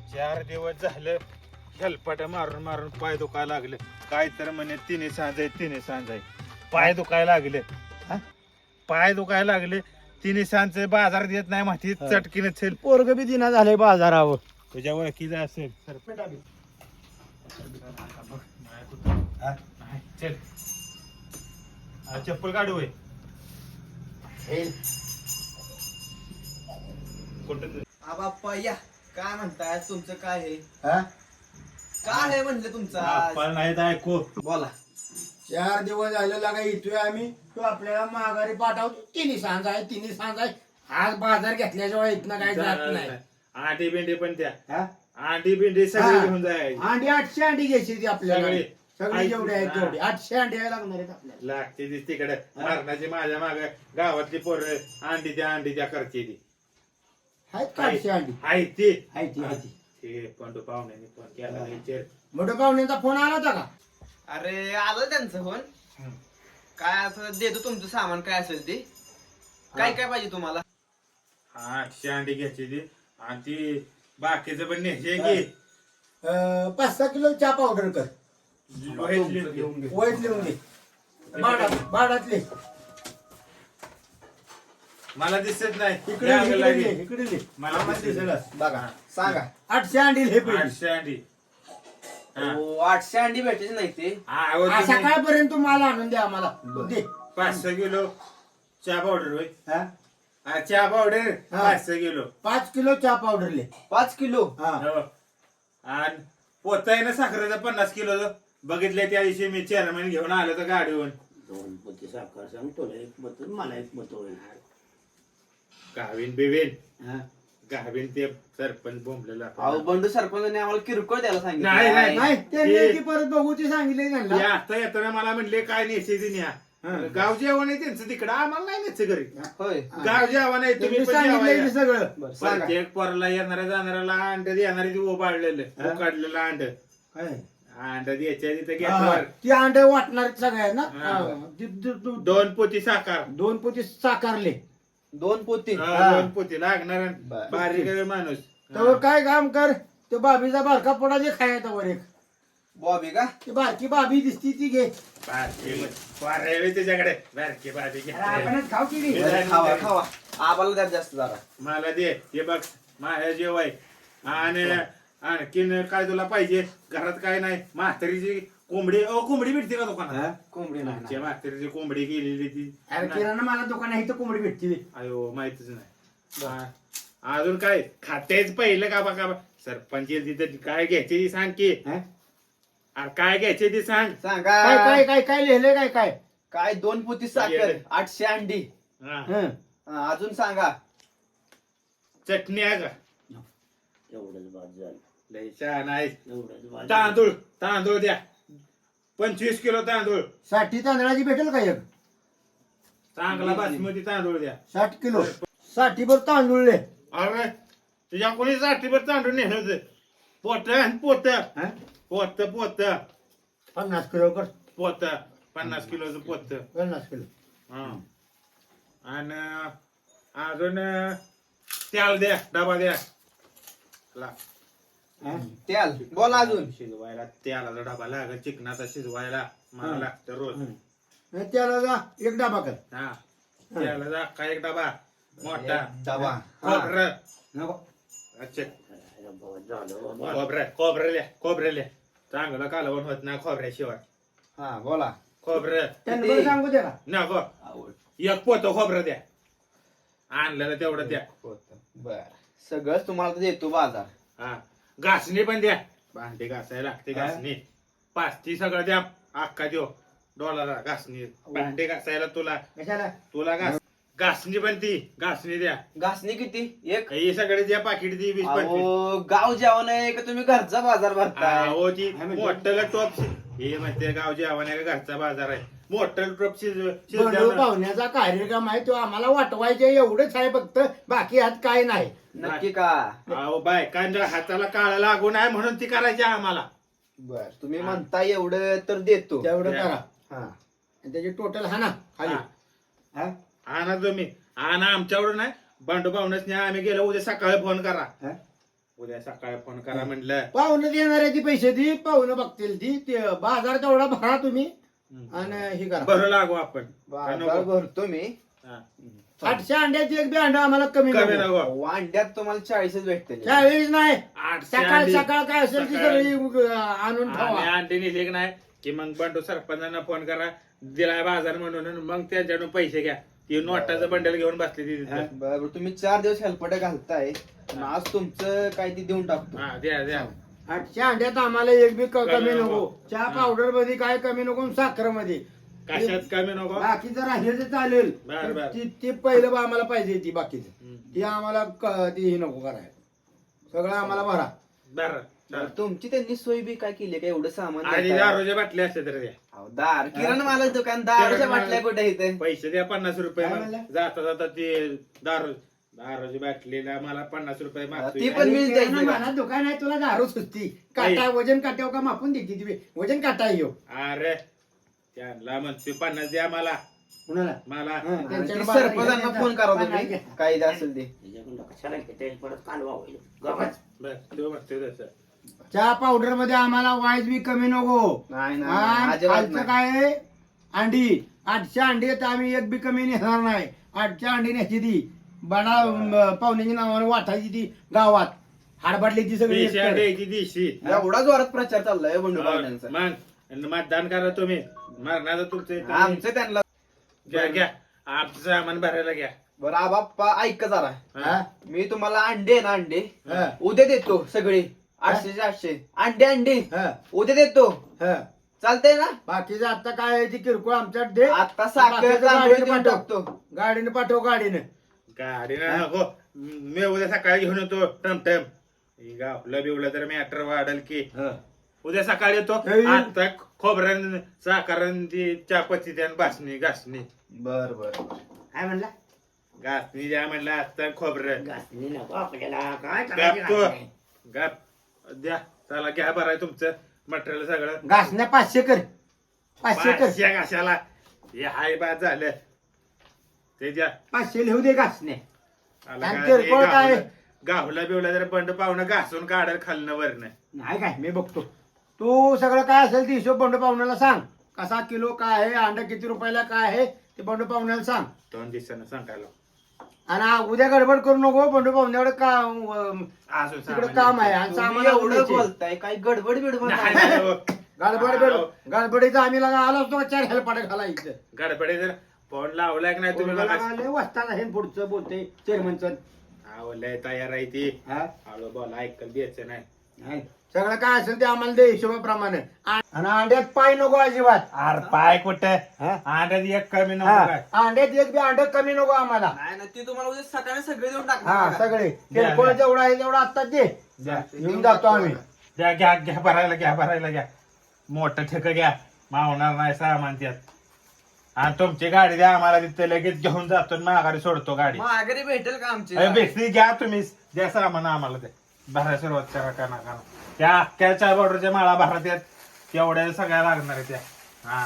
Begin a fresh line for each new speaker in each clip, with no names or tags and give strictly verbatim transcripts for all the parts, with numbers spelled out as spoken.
चार दिवस झालं झलपाट मारून मारून पाय दुखायला लागलं. काय तर म्हणे तिने सांज आहे तिने सांज आहे. पाय दुखायला लागले हा? पाय दुखायला लागले तिने सांज बाजार देत नाही माहिती चटकीने छेल
पोरग बी दिना झालंय बाजारावर.
तुझ्या ओळखीचा असेल तर
हा?
नाही, चल हा, चप्पल काढू होय. कुठं
बाप्पा या काय म्हणताय तुमचं काय आहे
हा?
काय आहे म्हणलं तुमचं आज?
आपण नाही तर ऐकू
बोला
चार दिवस झाले लागा येतोय आम्ही. तो आपल्याला माघारी पाठवतो. तिन्ही सांज आहे तिन्ही सांज आहे. आज बाजार घेतल्याशिवाय इथनं काय जात नाही.
आंडी बिंडी पण द्या.
हा?
आंडी बिंडी सगळी घेऊन जाय.
अंडी आठशे अंडी घ्यायची ती आपल्याला.
सगळी.
सगळी जेवढे आहेत
हा.
तेवढे आठशे अंडी लागणार आहेत आपल्याला.
लागते ती तिकडे मरणाची माझ्या माग गावातली पोरं अंडी द्या अंडी द्या करते ती
आहेत का आठशे अंडी?
आहे ती
आहे ती आहे ती.
ते पंडू पाहुण्याने फोन केला विचार.
मोठ्या पाहुण्यांचा फोन आला होता का?
अरे आलं त्यांचं फोन काय असं देतो तुमचं सामान काय असेल ते काय काय पाहिजे तुम्हाला
आठशे अंडी घ्यायची ती आणि ती बाकीचं पण न्यायचे की
अं, पाच सहा किलो चहा पावडर कर.
वाईट लिहून घे.
वाईट लिहून घे. बाडात बाडातले
मला दिसत नाही
इकडे
या
इकडे
लागे.
लिह, इकडे लिह.
मला
आम्हाला
दिसत
दिसेल.
बघा सांगा
आठशे अंडी हे पाहिजे.
आठशे अंडी हा.
हो, आठशे अंडी भेटायचे नाही ते
हा, अहो,
आज
तुम्ही
सकाळपर्यंत माल आणून द्या आम्हाला. दे.
पाच सहा किलो चहा पावडर होय
हा?
हा, चहा पावडर
हा.
पाच सहा किलो
पाच किलो चहा पावडर ले.
पाच किलो
हा.
हो. आणि पोता आहे ना साखरेचा पन्नास किलो बघितलं त्या दिवशी मी चेअरमॅन घेऊन आलो तर गाडीवर
दोन पोती साखर सांगतो एक बोतल मला एक बोतल.
गावीन बिवीन
हा?
गावीन ते सरपंच बोंबलेला
अहो बंडू सरपंचाने आम्हाला किरकोळ द्यायला
नाही, नाही.
सांगितलं
नाही त्यांनी
ते-
ती परत बघू ती सांगितले त्यांना.
ते आता येताना मला म्हणले काय नेसायचं न्या
हा.
गाव जेवण आहे त्यांचं तिकडं आम्हाला नाही नेसचं घरी
होय
गाव जेवण आहे तुम्ही
त्यांनी
पण
सांगितलंय
जेवा
की
या.
सगळं.
बरं सांगा
प्रत्येक पोराला येणाऱ्या जाणाऱ्याला अंड देणारी ती काढलेलं
हा.
काढलेलं अंड
काय?
अंड द्यायच्या तिथे
हा,
घेतल्यावर
ती अंडे वाटणार सगळ्यांना.
हा.
हा. ती- ती- ती-
दोन पोती साखर
दोन पोती साकारले.
दोन पोती
हा,
हा.
दोन पोती लागणार
बरं.
बारीक आहे माणूस
तर काय काम कर ते बाबीचा बारका पोडा जे खायचा वर एक.
बॉबी का
ती बारकी बाबी दिसती ती घे.
बारकी वारे त्याच्याकडे बारकी बारकी घे.
अरे आपणच खाऊ की
हे
नाही?
झालं
खावा
तरी.
खावा आम्हाला द्या जास्त जरा
मला दे हे बघ माझ्या जेवाय आणि आणखीन काय तुला पाहिजे घरात काय नाही म्हातारीची कोंबडी अ कोंबडी भेटते का दुकानात
हा?
कोंबडी नाही
आमच्या म्हातारीची कोंबडी गेलेली ती
अरे किराणा मला दुकान आहे तर कोंबडी भेटते.
अयो माहितच नाही हा. अजून काय खातेच पहिलं का बघा सरपंच तिथं काय घ्यायचे ती सांग की
हा?
अरे काय घ्यायचे ती सांग
सांगा
काय काय काय काय लिहिलंय काय काय?
काय दोन पोती साखर
ये.
आठशे अंडी
हा.
हं.
हा, अजून सांगा
चटणी आहे का
एवढंच बाद झालं.
लय छान आहे
एवढंच बाद झालं.
तांदूळ तांदूळ द्या पंचवीस किलो तांदूळ
साठी तांदळाची भेटेल का एक?
चांगला बासमती तांदूळ द्या
साठ किलो साठी भर तांदूळ ले.
अरे तुझ्या कोणी साठीभर तांदूळ नेलं पोत पोत
हा?
पोत पोत
पन्नास किलो कर.
पोत पन्नास किलोचं पोत
पन्नास किलो.
हा आणि अजून तेल द्या डबा द्या ला.
हा?
तेल बोला अजून
शिजवायला तेलाचा डबा लागेल चिकनाचा शिजवायला मला
हा.
लागतं रोज
हं. नाही त्याला जा एक डबा कर.
हा तेलाचा काय एक डबा मोठा
डबा हा.
खोबरं
नको.
अच्छा
झालं बाबा.
खोबरं खोबरेल्या खोबरेल्या चांगलं कालवण होत नाही खोबऱ्याशिवाय
हा बोला
खोबरं
त्यांना
किती?
बरं सांगू दे का?
नको एक पोत खोबरं द्या आणलेलं तेवढं द्या
बर सगळंच तुम्हाला तर देतो बाजार
हा घासणी पण द्या भांडी घासायला लागते
हा?
घासणी पाच ती सगळं द्या अख्खा देऊ डॉलर घासणी भांडी घासायला तुला
कशाला?
तुला घास घासणी पण ती घासणी द्या
घासणी किती एक
हे सगळे द्या पाकिट दी वीस पंचवीस
अहो गाव जेवण आहे का तुम्ही घरचा बाजार भरताय
हो ती
हा, म्हणजे-
मोठं टॉप हे म्हणते गाव जेवण आहे का घरचा बाजार आहे मोठं टॉप शिज
बंडू
शिजल्यावर-
पाहुण्याचा कार्यक्रम आहे तो आम्हाला वाटवायचे एवढंच आहे फक्त बाकी हात काय नाही.
नक्की का
अहो बायकांच्या हाताला काळा लागू नये म्हणून ती करायची आम्हाला
बर तुम्ही म्हणता एवढं तर देतो
तेवढं
द्या.
करा.
हा
आणि त्याची टोटल हा ना खाली.
हा.
हा?
आणा तुम्ही आणा आमच्याकडून नाही बंडू पाहुणच नाही आम्ही गेलो उद्या सकाळी फोन करा
हा?
उद्या सकाळी फोन करा म्हणलं.
पाहुणं देणार आहे ती पैसे ती पाहुणं बघतील ती ते बाजार तेवढा भरा तुम्ही आणि हे करा
बरं लागू आपण
बाजार भरतो मी.
हा.
आठशे अंड्याची एक बी अंडा आम्हाला कमी
कमी
नको.
नको.
अंड्यात तुम्हाला चाळीसच भेटते.
त्यावेळेस नाही
आठशे
सकाळ
अंडी.
सकाळ काय असेल ती
सकाळी.
सगळी अं, आणून
आणि
ठेवा.
अंडी नेली की नाही की मग बंडू सरपंचांना फोन करा दिलाय बाजार म्हणून मग त्यांच्याकडून पैसे घ्या. ती नोटाचं बंडल घेऊन बसली ती तिथं.
बरोबर तुम्ही चार दिवस हेल्पटे घालताय आणि आज तुमचं काय ते देऊन टाकतो.
हा द्या द्या.
आठशे अंड्यात आम्हाला एक बी क-
कमी
कमी
नको.
नको. चहा पावडर मध्ये काय कमी नको साखर मध्ये
कशात कमी नको.
बाकी जर राहिलं तर चालेल
बर, बर.
ती ती पहिलं बा आम्हाला पाहिजे ती बाकीचं
हम्म.
ती आम्हाला क- ती हे नको करायला सगळं आम्हाला भरा.
बरं
बरं, तुमची त्यांनी सोय बी काय केली काय एवढं सामान
आणि
देताय?
दारूच्या बाटल्या असते तर द्या.
अहो, दार किरण मला दुकान दारूच्या
किराणा
बाटल्या
माल.
कुठे इथे?
पैसे द्या पन्नास रुपये
काय
मग.
म्हणला?
जाता जाता ते दारू दारूची बाटलीला मला पन्नास रुपये मागतोय.
ती पण मीच द्यायची का?
मला दुकान आहे तुला दारू सुचती काटा वजन काट्यावर का मापून देते ती वजन काटा येऊ
अरे त्यांना म्हणते पन्नास द्या मला
कुणाला
मला
हा,
ती
त्यांच्याकडे बारा
सरपंचांना
घ्यायचा.
फोन करा
पन्नास
तुम्ही
घ्या.
काय असेल ते.
कशाला घेते परत कालवा होईल गप्पच.
बर तो म्हणते तसं.
चहा पावडर मध्ये आम्हाला वाईज बी कमी नको.
नाही नाही,
आणि
नाही अजिबात
खालचं
नाही.
काय आहे? अंडी आठशे अंडी आहेत आम्ही एक बी कमी नेणार नाही. आठशे अंडी न्यायची ती बडा म, पाहुण्याची नावाने वाटायची ती गावात हाडबाटली ती सगळी
देशी
एकतर.
द्यायची देशी.
एवढा जोरात प्रचार चाललाय बंडू पाहुण्यांचा.
मग आणि मतदान करा तुम्ही मरणाचं तुमचं इथं.
आमचं त्यांना
घ्या घ्या आमचं सामान भरायला घ्या.
बरं आबाप्पा ऐक जरा.
हा?
मी तुम्हाला अंडे आहे ना अंडे
हा.
उद्या देतो सगळे आठशे आठशे अंडे अंडे
हा,
उद्या देतो.
हा.
चालतंय ना?
बाकीचं आता काय आहे ती किरकोळ आमच्यात दे.
आता साखर
बाकीचं
तांदूळ
गाडीने
देऊन
पाठव.
टाकतो.
गाडीने पाठव गाडीने
गाडीनं नको मी उद्या सकाळी घेऊन येतो टमटम. गावलं बिवलं तर मॅटर वाढल की
हा.
उद्या सकाळी येतो.
हे.
आता खोबऱ्यान साखरण ती चापत्ती त्यान भासणी घासणी
बर बर
काय म्हणला
घासणी द्या म्हणलं आता खोबरं
घासणी नको आपल्याला काय
गाप
करायची
तो
घासणी?
गाप द्या चला घ्या बरं आहे तुमचं मटेरियल सगळं.
घासण्या पाचशे कर पाचशे कर
पाचशे घाशाला हे हाय बाद झालं ते द्या.
पाचशे लिहू दे घासण्या.
आला
आणि
का?
किरकोळ
ते
काय?
गावलं- गावला बिवला जर बंड पाहुणं घासून काढल खालनं वरनं.
नाही काय मी बघतो तू सगळं काय असेल ते हिशोब बंडू पाहुण्याला सांग कसा किलो काय आहे अंडा किती रुपयाला काय आहे ते बंडू पाहुण्याला सांग.
दोन दिवसानं सांगायला
आणि आ- उद्या गडबड करू नको बंडू पाहुण्याकडे का अं,
अजून
तिकडे काम आहे आणि
तुम्ही
सामान
एवढं
द्यायचे.
बोलताय काय गडबड बिडबड
नाही,
नाही.
नाही, हो.
गडबड गड गडबडीचा आम्ही लगा आलो असतो चार हेलपाटे घालायचं
गडबडे जर फोन लावलाय की नाही तुम्ही मला
वाचताना हे पुढचं बोलते चेअरमनचं
आवडलंय तयार आहे ती
हा
हळू बोला ऐकल द्यायचं नाही.
नाही. सगळं काय असेल ते आम्हाला दे हिशोबाप्रमाणे आणि अंड्यात पाय नको अजिबात.
अरे पाय कुठं
हा?
अंड्यात एक कमी नको
हा.
काय.
अंड्यात एक बी अंड कमी नको आम्हाला.
नाही ना ते तुम्हाला उद्या सकाळी सगळे देऊन
हा
टाकणार.
सगळे
द्या,
किरकोळ
द्या.
जेवढा आहे तेवढा आत्ताच दे
द्या
घेऊन जातो आम्ही.
द्या घ्या घ्या भरायला घ्या भरायला घ्या मोठं ठेक घ्या मावणार नाही सामान त्यात. आणि तुमची गाडी द्या आम्हाला तिथे लगेच घेऊन जातो आणि माघारी सोडतो गाडी.
माघारी भेटेल का आमची?
अरे बेसरी घ्या तुम्ही द्या सामान आम्हाला ते भरायला सुरुवात करा का नका त्या अख्ख्या चार बॉर्डरच्या माळा भरा त्यात तेवढ्या सगळ्या लागणार आहे त्या. हा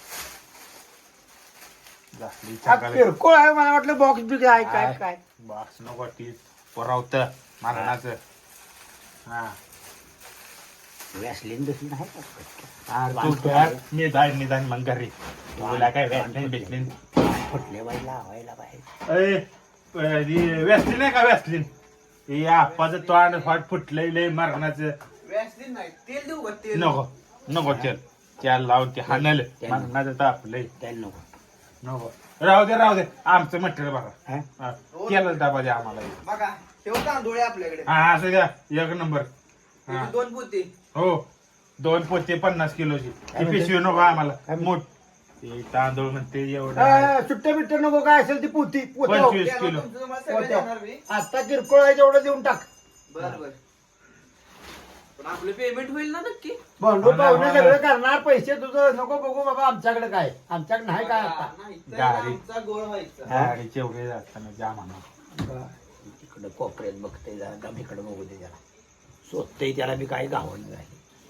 झाली
हा,
चांगली.
किरकोळ आहे मला वाटलं बॉक्स बी आहे काय
काय?
काय
बॉक्स नको ती पुरवत मरणाचं. हा
वॅसलीन दुसरी नाही
तू कर, मी जाईन निदान मग घरी तुला काय वॅसलीन बिसलीन
फुटले बाई लावायला पाहिजे.
वॅसलीन आहे का वॅसलीन हे आप्पाचं तोंड फाट फुटलंय लय मरणाचं.
व्यासलीन नाही तेल देऊ का तेल?
नको नको तेल त्याला लावून ते हाणल मरणाचं तापलंय
त्याला नको
नको. राहू दे राहू दे आमचं मटेरियल बघा.
हा?
हा, तेलच डबा द्या आम्हाला.
बघा ठेव तांदूळ आहे आपल्याकडे.
हा असं द्या एक नंबर. हा
त्याची दोन पोती.
हो दोन पोते पन्नास किलोची
काय
ती
म्हणते?
पिशवी नको आम्हाला
काय म्हणते?
मोठ ते तांदूळ म्हणते एवढं आहे.
आ, सुट्टे बिट्टे नको काय असेल ती पोती पोतं.
पंचवीस
द्या ना,
किलो.
तुमचं तुम्हाला सगळं
पोतं.
देणार मी.
आता किरकोळ आहे तेवढं देऊन टाक.
बर बर पण आपलं पेमेंट होईल ना नक्की?
बंडू
होणार,
पाहुणे
होणार.
सगळं करणार पैसे तुझं नको बघू बाबा आमच्याकडे काय आमच्याकडे नाही काय आता.
नाही तर
गाडी.
आमचा गोळ व्हायचा.
हा?
गाडीचे एवढे जाताना जा म्हणा.
तिकडं कोपऱ्यात बघते जरा इकडे बघू दे जरा स्वतः त्याला बी काही गावण नाही.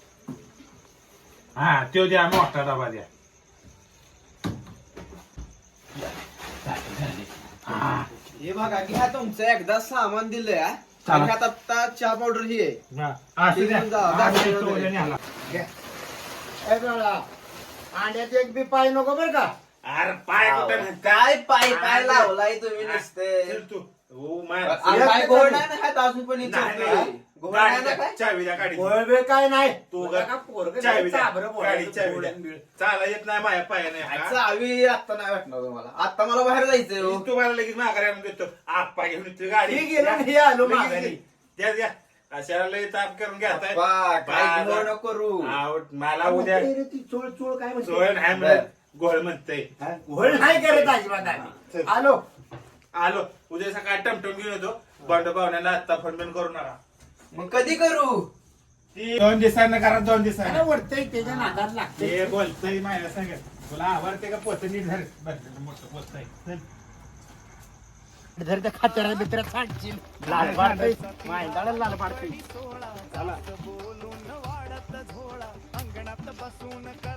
हा तो द्या मोठा डबा द्या. हा
हे बघा घ्या तुमचं एकदा सामान दिलंय हा.
चला.
आणि ह्यात आता चहा पावडर ही आहे
हा, असू द्या.
घेऊन जा,
हा,
गाडी
तो
वगैरे.
उद्या न्याला.
ए बाळा अंड्यात एक बी पाय नको बरं का
अरे पाय कुठं नाही.
काय पाय काय
अरे,
लावलाय तुम्ही
चल
नुसते
तू. हो, मा-
अरे, काय घोड नाही ना खात अजून पण
नाही,
इथे
नाही.
घोड नाही
गाडी
ना
द्या,
काय
चावी द्या गाडीची.
गोळबे काय नाही
तू
तुला
ग-
का पोरगं
चावी
नाही,
द्या.
चाभरं बोलायचं,
गाडी चावी द्या.
गोळ्यान बिळ.
चाला येत नाही माझ्या पायाने हा?
चावी आता नाही भेटणार तुम्हाला आता मला बाहेर जायचंय हो.
तुम्हाला लगेच माघारी आणून देतो आप्पा घेऊन येतो गाडी
हे गेलं आणि हे आलो
लगेच
माघारी.
घे. द्या द्या अशाला लय ताप करून घेताय
अप्पा, काय
बाबा.
घोड नको करू
आऊट, मला उद्या
रे ती चोळ चोळ काय म्हणते?
सोय नाही
बर.
म्हणत गोळ म्हणतय
हा? घोळ नाही करत अजिबात आम्ही.
चल.
आलो
आलो उद्या सकाळी टमटम घेऊन येतो बंड पाहुण्याला आत्ता फोन बिन करू नका
मग कधी करू
ती दोन दिवसांना करा दोन
अरे
दिवसांना
वरतय त्याच्या नादात लागते
हे बोलतय माझ्या सांगत तुला आवडते का पोत नीट धर बरं, मोठं पोत आहे चल.
जर त्या खात्याला बित्र्यात सांडशील लाल पाडतय माहिंदाला लाल पाडतय
चला
बोलून वाढत झोळा अंगणात बसून कर